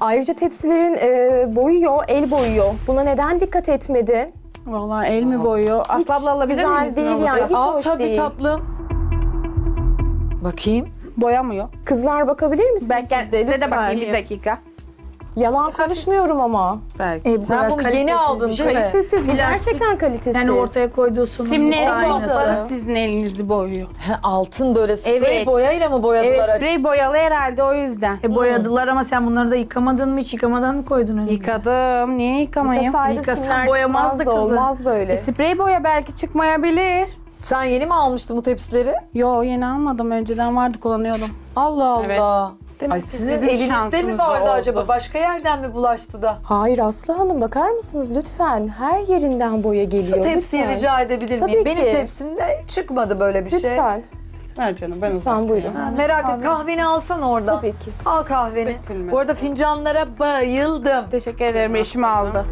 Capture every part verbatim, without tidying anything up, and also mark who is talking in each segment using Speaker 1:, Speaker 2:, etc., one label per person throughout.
Speaker 1: Ayrıca tepsilerin e, boyuyor, el boyuyor. Buna neden dikkat etmedin?
Speaker 2: Vallahi el mi boyuyor?
Speaker 1: Hiç
Speaker 2: Aslı abla alabilir
Speaker 1: güzel
Speaker 2: miyim?
Speaker 1: değil
Speaker 2: izin
Speaker 1: yani.
Speaker 2: olursa?
Speaker 1: Hiç
Speaker 3: Al
Speaker 1: hoş
Speaker 3: tabii
Speaker 1: değil.
Speaker 3: tatlım. Bakayım.
Speaker 2: Boyamıyor.
Speaker 1: Kızlar bakabilir misiniz
Speaker 2: Ben
Speaker 1: siz
Speaker 2: gel,
Speaker 1: de
Speaker 2: size de
Speaker 1: lütfen?
Speaker 2: bakayım bir dakika.
Speaker 1: Yalan konuşmuyorum ama.
Speaker 2: Belki.
Speaker 4: E, bu
Speaker 3: Sen
Speaker 4: kadar
Speaker 3: bunu yeni
Speaker 4: kalitesiz
Speaker 3: aldın
Speaker 4: bir
Speaker 3: değil mi?
Speaker 1: Kalitesiz, bu
Speaker 4: Plastik.
Speaker 1: gerçekten kalitesiz.
Speaker 4: Yani ortaya koyduğu sunum
Speaker 2: Simlerin
Speaker 1: Olmadı.
Speaker 2: kapları sizin elinizi boyuyor.
Speaker 3: He, altın böyle sprey
Speaker 2: Evet.
Speaker 3: boyayla mı boyadılar?
Speaker 2: Evet, sprey boyalı herhalde o yüzden.
Speaker 4: E, boyadılar ama sen bunları da yıkamadın mı? Hiç yıkamadan mı koydun önümüze?
Speaker 2: Yıkadım. Niye yıkamayayım?
Speaker 1: Yıkasaydı
Speaker 4: Yıkasan
Speaker 1: simler
Speaker 4: boyamazdı
Speaker 1: çıkmazdı,
Speaker 4: kızı.
Speaker 1: olmaz böyle.
Speaker 2: E, sprey boya belki çıkmayabilir.
Speaker 3: Sen yeni mi almıştın bu tepsileri?
Speaker 2: Yo, yeni almadım. Önceden vardı, kullanıyordum.
Speaker 3: Allah Allah.
Speaker 2: Evet. Demek
Speaker 3: Ay
Speaker 2: ki
Speaker 3: sizin
Speaker 2: sizin
Speaker 3: elinizde mi
Speaker 2: şansınız da
Speaker 3: vardı
Speaker 2: oldu.
Speaker 3: acaba? Başka yerden mi bulaştı da?
Speaker 1: Hayır Aslı Hanım, bakar mısınız lütfen? Her yerinden boya geliyor.
Speaker 3: Şu tepsiyi
Speaker 1: lütfen.
Speaker 3: rica edebilir
Speaker 1: Tabii
Speaker 3: miyim? Benim
Speaker 1: ki.
Speaker 3: tepsimde çıkmadı böyle bir şey.
Speaker 1: Lütfen.
Speaker 2: Ver canım, ben
Speaker 1: Lütfen buyurun.
Speaker 3: Ha, merak et, kahveni alsan oradan.
Speaker 1: Tabii ki.
Speaker 3: Al kahveni.
Speaker 2: Dökülmez.
Speaker 3: Bu arada fincanlara bayıldım.
Speaker 2: Teşekkür ederim. Eşim aldı.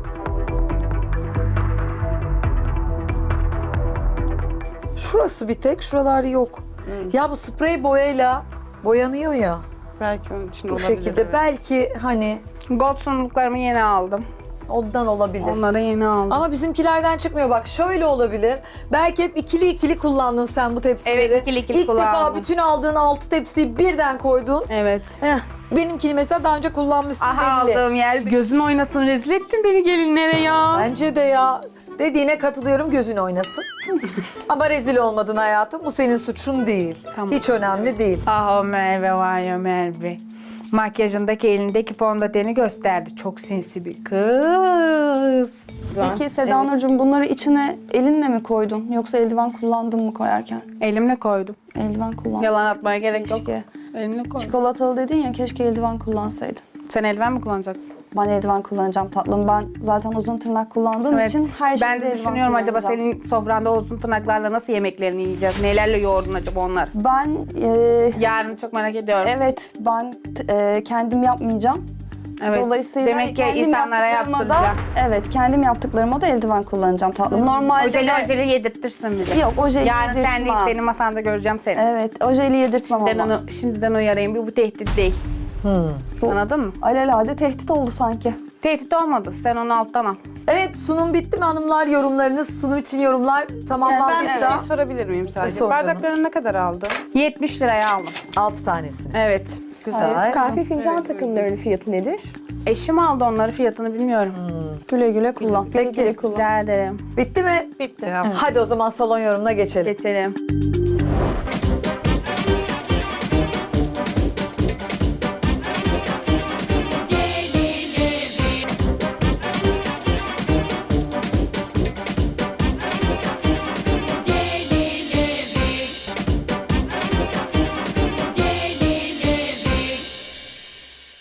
Speaker 3: Şurası bir tek, şuralar yok. Ya bu sprey boyayla boyanıyor ya.
Speaker 2: Belki onun için
Speaker 3: Bu
Speaker 2: olabilir.
Speaker 3: şekilde.
Speaker 2: evet.
Speaker 3: Belki hani
Speaker 2: Gold sunumluklarımı yeni aldım.
Speaker 3: ondan olabilir.
Speaker 2: Onları yeni aldım.
Speaker 3: Ama bizimkilerden çıkmıyor. Bak şöyle olabilir. Belki hep ikili ikili kullandın sen bu tepsileri.
Speaker 2: Evet, ikili ikili
Speaker 3: İlk defa
Speaker 2: kullandım.
Speaker 3: bütün aldığın altı tepsiyi birden koydun.
Speaker 2: Evet.
Speaker 3: Heh, benimkini mesela daha önce kullanmışsın
Speaker 2: Aha,
Speaker 3: belli.
Speaker 2: aldığım yer. Gözün oynasın, rezil ettin beni gelinlere ya.
Speaker 3: Bence de ya. Dediğine katılıyorum, gözün oynasın. Ama rezil olmadın hayatım. Bu senin suçun değil.
Speaker 2: Tamam.
Speaker 3: Hiç önemli değil.
Speaker 2: Ah o Merve var ya Merve. Makyajındaki elindeki fondöteni gösterdi. Çok sinsi bir kız.
Speaker 5: Peki Seda Nurcuğum, bunları içine elinle mi koydun? Yoksa eldiven kullandın mı koyarken?
Speaker 2: Elimle koydum.
Speaker 5: Eldiven kullandın.
Speaker 2: Yalan atmaya gerek yok.
Speaker 5: Keşke.
Speaker 2: Elimle koydum.
Speaker 5: Çikolatalı dedin ya, keşke eldiven kullansaydın.
Speaker 2: Sen eldiven mi kullanacaksın?
Speaker 5: Ben eldiven kullanacağım tatlım. Ben zaten uzun tırnak kullandığım için her şeyde
Speaker 2: Ben de
Speaker 5: eldiven
Speaker 2: düşünüyorum acaba
Speaker 5: kullanacağım.
Speaker 2: senin sofranda o uzun tırnaklarla nasıl yemeklerini yiyeceğiz? Nelerle yoğurdun acaba onlar?
Speaker 5: Ben e,
Speaker 2: Yarın çok merak ediyorum.
Speaker 5: evet ben t- e, kendim yapmayacağım.
Speaker 2: Evet.
Speaker 5: Dolayısıyla
Speaker 2: Demek ki
Speaker 5: kendim
Speaker 2: insanlara
Speaker 5: yaptıklarıma da,
Speaker 2: yaptıracağım.
Speaker 5: evet, kendim yaptıklarıma da eldiven kullanacağım tatlım. Normalde
Speaker 2: Ojeli
Speaker 5: de-
Speaker 2: ojeli yedirtirsin bize.
Speaker 5: Yok, ojeli
Speaker 2: Yarın sen
Speaker 5: yedirtmem.
Speaker 2: değil, senin masanda göreceğim seni.
Speaker 5: Evet, ojeli yedirtmem
Speaker 2: Ben
Speaker 5: ama.
Speaker 2: onu şimdiden uyarayım. Bu, bu tehdit değil. Anladın mı?
Speaker 5: Alelade tehdit oldu sanki.
Speaker 2: Tehdit olmadı. Sen onu alttan al.
Speaker 3: Evet, sunum bitti mi hanımlar? Yorumlarınız, sunum için yorumlar
Speaker 6: Ben bir
Speaker 3: tamamlandıysa.
Speaker 6: şey sorabilir miyim
Speaker 3: E,
Speaker 6: sadece?
Speaker 3: sor canım.
Speaker 6: Bardaklarını ne kadar aldın?
Speaker 2: yetmiş liraya aldım.
Speaker 3: Altı tanesini.
Speaker 2: Evet.
Speaker 3: Güzel.
Speaker 1: Kahve fincan takımlarının fiyatı nedir?
Speaker 2: Eşim aldı onları, fiyatını bilmiyorum.
Speaker 5: Güle güle kullan.
Speaker 3: Peki,
Speaker 2: Rica ederim.
Speaker 3: bitti mi?
Speaker 6: Bitti.
Speaker 3: Hadi o zaman salon yorumuna geçelim.
Speaker 2: Geçelim.